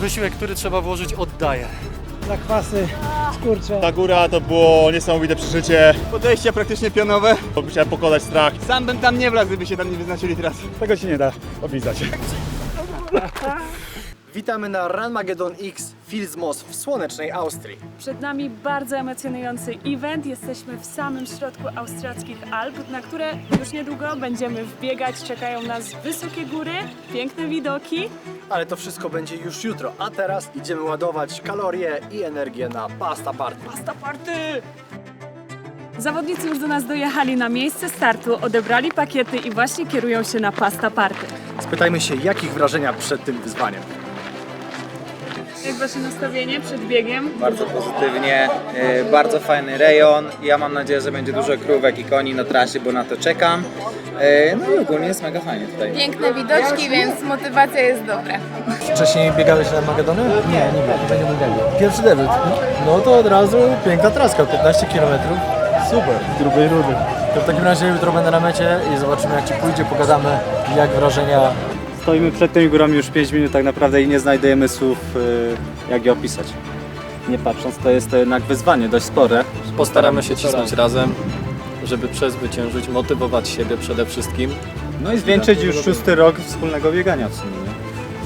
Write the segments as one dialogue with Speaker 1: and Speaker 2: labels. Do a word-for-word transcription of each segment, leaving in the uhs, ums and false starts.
Speaker 1: wysiłek, który trzeba włożyć, oddaje.
Speaker 2: Zakwasy, skurcze.
Speaker 3: Ta góra to było niesamowite przeżycie.
Speaker 4: Podejścia praktycznie pionowe.
Speaker 3: Musiałem pokonać strach.
Speaker 4: Sam bym tam nie wlazł, gdyby się tam nie wyznaczyli teraz.
Speaker 3: Tego się nie da opisać.
Speaker 2: Witamy na Ranmageddon X Fils-Moos w słonecznej Austrii.
Speaker 5: Przed nami bardzo emocjonujący event. Jesteśmy w samym środku austriackich Alp, na które już niedługo będziemy wbiegać. Czekają nas wysokie góry, piękne widoki.
Speaker 2: Ale to wszystko będzie już jutro, a teraz idziemy ładować kalorie i energię na pasta party.
Speaker 5: Pasta party! Zawodnicy już do nas dojechali na miejsce startu, odebrali pakiety i właśnie kierują się na pasta party.
Speaker 2: Spytajmy się, jakich wrażenia przed tym wyzwaniem.
Speaker 5: Jak wasze nastawienie przed biegiem?
Speaker 6: Bardzo pozytywnie, yy, bardzo fajny rejon. Ja mam nadzieję, że będzie dużo krówek i koni na trasie, bo na to czekam. Yy, no i ogólnie jest mega fajnie tutaj.
Speaker 7: Piękne widoczki, więc motywacja jest dobra.
Speaker 8: Wcześniej biegałeś na Armagedony? Nie, nie biegłem, nie biegłem. Pierwszy debiut. No to od razu piękna traska, piętnaście kilometrów. Super, z grubej rudy. To w takim razie jutro będę na mecie i zobaczymy, jak Ci pójdzie, pogadamy, jak wrażenia.
Speaker 9: Stoimy przed tymi górami już pięć minut tak naprawdę i nie znajdujemy słów, jak je opisać. Nie patrząc, to jest to jednak wyzwanie dość spore.
Speaker 1: Postaramy się cisnąć razem, żeby przezwyciężyć, motywować siebie przede wszystkim.
Speaker 9: No i zwieńczyć już szósty rok wspólnego biegania w sumie. Nie?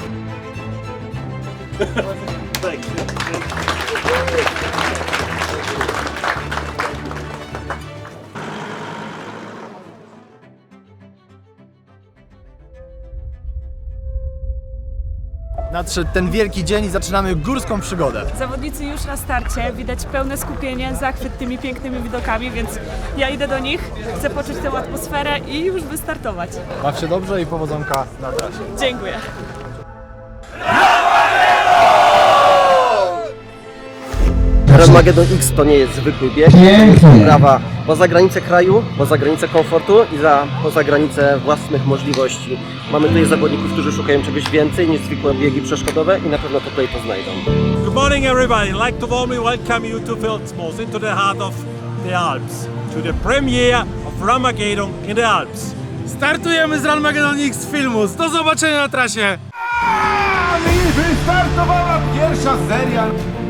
Speaker 2: Nadszedł ten wielki dzień i zaczynamy górską przygodę.
Speaker 5: Zawodnicy już na starcie, widać pełne skupienie, zachwyt tymi pięknymi widokami, więc ja idę do nich, chcę poczuć tę atmosferę i już wystartować.
Speaker 8: Baw się dobrze i powodzonka na trasie.
Speaker 5: Dziękuję.
Speaker 10: Ranmageddon X to nie jest zwykły bieg, to jest wyprawa poza granicę kraju, poza granicę komfortu i za, poza granicę własnych możliwości. Mamy tutaj zawodników, którzy szukają czegoś więcej niż zwykłe biegi przeszkodowe i na pewno tutaj to znajdą.
Speaker 11: Good morning everybody, I'd like to warmly welcome you to Fils-Moos, into the heart of the Alps, to the premiere of Ranmageddon in the Alps.
Speaker 8: Startujemy z Ranmageddon X Fils-Moos. Do zobaczenia na trasie!
Speaker 3: I wystartowała pierwsza seria.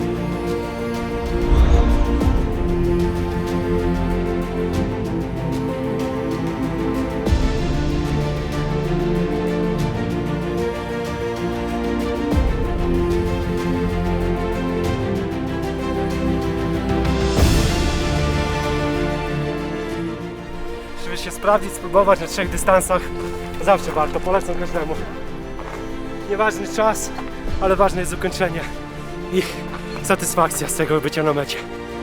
Speaker 2: Żeby się sprawdzić, spróbować na trzech dystansach, zawsze warto, polecam każdemu. Nieważny czas, ale ważne jest ukończenie i satysfakcja z tego bycia na mecie.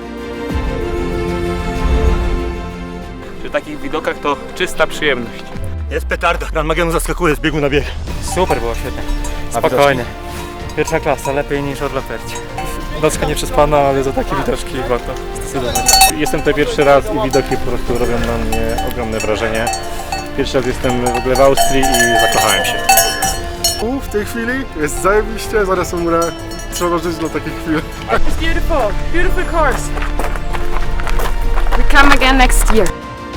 Speaker 11: Przy takich widokach to czysta przyjemność.
Speaker 3: Jest petarda. Ranmageddon zaskakuje z biegu na bieg.
Speaker 1: Super było, świetnie. Spokojnie. Pierwsza klasa, lepiej niż od Laperci. Nocka nie przespana, ale za takie widoczki warto zdecydować.
Speaker 9: Jestem tutaj pierwszy raz i widoki po prostu robią na mnie ogromne wrażenie. Pierwszy raz jestem w ogóle w Austrii i zakochałem się.
Speaker 8: U, w tej chwili jest zajebiście, zaraz umrę. Trzeba żyć dla takich chwil.
Speaker 5: It's beautiful, beautiful course.
Speaker 7: We come again next year.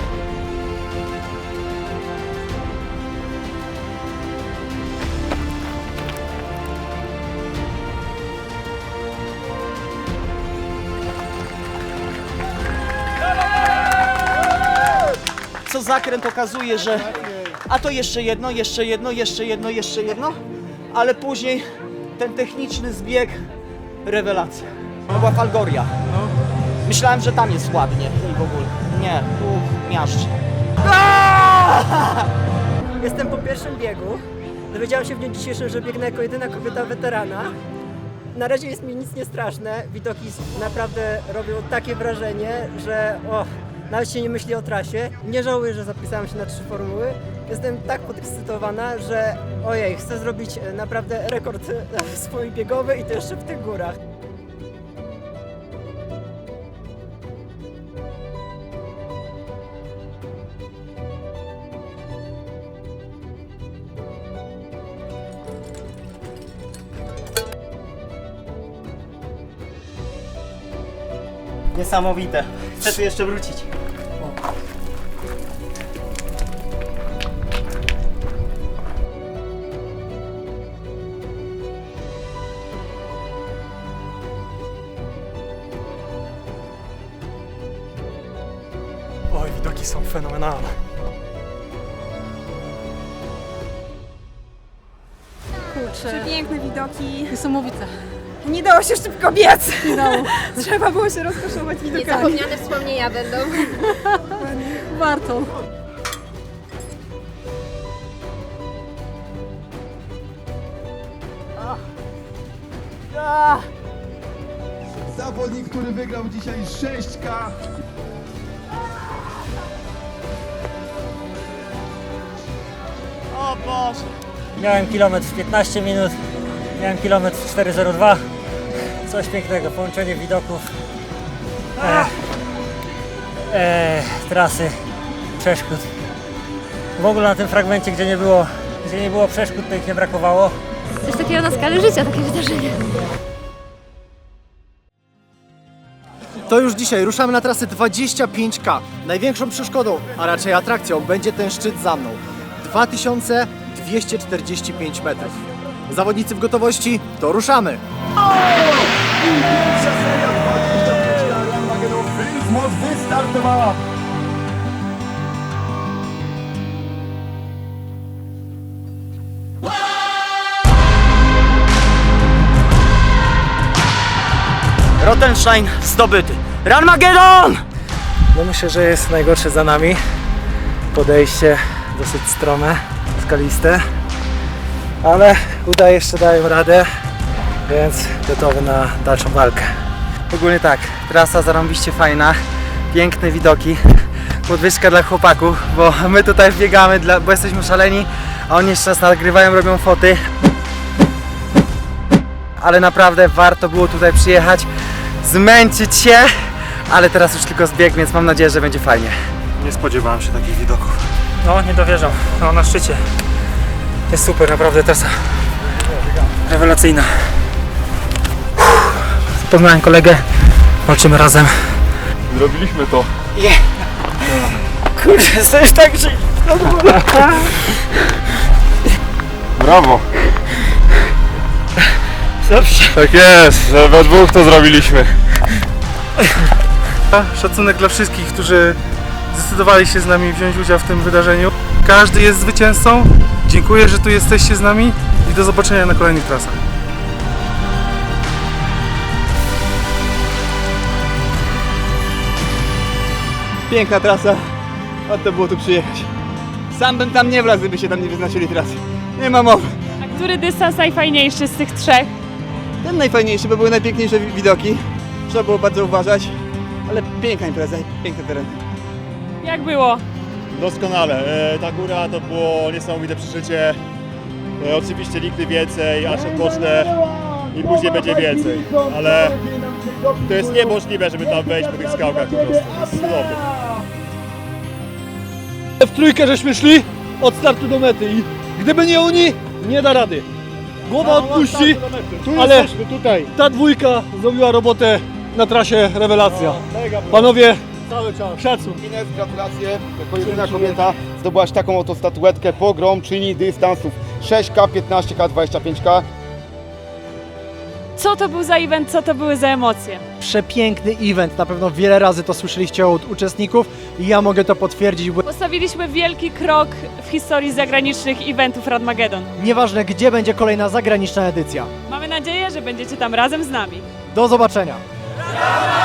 Speaker 4: Co zakręt okazuje, że a to jeszcze jedno, jeszcze jedno, jeszcze jedno, jeszcze jedno, ale później ten techniczny zbieg, rewelacja. To była Falgoria. Myślałem, że tam jest ładnie i w ogóle. Nie, tu miażdż.
Speaker 12: Jestem po pierwszym biegu. Dowiedziałam się w dniu dzisiejszym, że biegnę jako jedyna kobieta weterana. Na razie jest mi nic nie straszne. Widoki naprawdę robią takie wrażenie, że o, nawet się nie myśli o trasie. Nie żałuję, że zapisałam się na trzy formuły. Jestem tak podekscytowana, że ojej, chcę zrobić naprawdę rekord swój biegowy i to jeszcze w tych górach.
Speaker 4: Niesamowite. Chcę tu jeszcze wrócić.
Speaker 2: widoki są fenomenalne.
Speaker 5: Kurczę. Piękne widoki.
Speaker 7: Niesamowite.
Speaker 5: Nie dało się szybko biec.
Speaker 7: Nie dało.
Speaker 5: Trzeba było się rozkoszować widokami.
Speaker 7: Niezapomniane wspomnienia będą. Warto.
Speaker 3: Zawodnik, który wygrał dzisiaj sześć K.
Speaker 2: O Boże! Miałem kilometr w piętnaście minut, miałem kilometr w cztery zero dwa. Coś pięknego, połączenie widoków, e, e, trasy, przeszkód. W ogóle na tym fragmencie, gdzie nie było, gdzie nie było przeszkód, to ich nie brakowało.
Speaker 7: Coś takiego na skalę życia, takie wydarzenie.
Speaker 8: To już dzisiaj ruszamy na trasę dwadzieścia pięć K. Największą przeszkodą, a raczej atrakcją, będzie ten szczyt za mną. dwa tysiące dwieście czterdzieści pięć metrów. Zawodnicy w gotowości, to ruszamy!
Speaker 3: Pierwsza seria dwadzieścia pięć K Armagedon Moc wystartowała.
Speaker 4: Rottenstein zdobyty. Ranmagedon!
Speaker 2: No myślę, że jest najgorsze za nami. Podejście dosyć strome, skaliste. Ale uda jeszcze dają radę, więc gotowy na dalszą walkę.
Speaker 6: Ogólnie tak, trasa zarąbiście fajna, piękne widoki, podwyżka dla chłopaków, bo my tutaj biegamy, dla, bo jesteśmy szaleni, a oni jeszcze nas nagrywają, robią foty. Ale naprawdę warto było tutaj przyjechać, zmęczyć się, ale teraz już tylko zbieg, więc mam nadzieję, że będzie fajnie.
Speaker 3: Nie spodziewałem się takich widoków.
Speaker 2: No, nie dowierzam. No, na szczycie. Jest super, naprawdę trasa rewelacyjna. Poznałem kolegę, walczymy razem.
Speaker 3: Zrobiliśmy to.
Speaker 4: Yeah. Kurde, coś tak, że...
Speaker 3: Brawo.
Speaker 4: Dobrze.
Speaker 3: Tak jest, że we dwóch to zrobiliśmy.
Speaker 2: Szacunek dla wszystkich, którzy zdecydowali się z nami wziąć udział w tym wydarzeniu. Każdy jest zwycięzcą. Dziękuję, że tu jesteście z nami i do zobaczenia na kolejnych trasach.
Speaker 6: Piękna trasa, warto było tu przyjechać. Sam bym tam nie wlazł, gdyby się tam nie wyznaczyli trasy. Nie ma mowy.
Speaker 5: A który dystans najfajniejszy z tych trzech?
Speaker 6: Ten najfajniejszy, bo były najpiękniejsze wi- widoki. Trzeba było bardzo uważać, ale piękna impreza, piękny teren.
Speaker 5: Jak było?
Speaker 3: Doskonale. E, ta góra to było niesamowite przeżycie. E, oczywiście nigdy więcej, aż odpocznę i później będzie więcej. Ale to jest niemożliwe, żeby tam wejść po tych skałkach po prostu. To jest cudowne.
Speaker 2: W trójkę żeśmy szli od startu do mety i gdyby nie oni, nie da rady. Głowa odpuści, ale
Speaker 3: tutaj.
Speaker 2: ta dwójka zrobiła robotę na trasie rewelacja. Panowie, szacun.
Speaker 3: Ines, gratulacje. Jako jedyna kobieta zdobyłaś taką oto statuetkę pogromczyni dystansów sześć K, piętnaście K, dwadzieścia pięć K.
Speaker 5: Co to był za event, co to były za emocje?
Speaker 8: Przepiękny event, na pewno wiele razy to słyszeliście od uczestników i ja mogę to potwierdzić, bo
Speaker 5: Postawiliśmy wielki krok w historii zagranicznych eventów Ranmagedon.
Speaker 8: nieważne gdzie będzie kolejna zagraniczna edycja.
Speaker 5: Mamy nadzieję, że będziecie tam razem z nami.
Speaker 8: Do zobaczenia!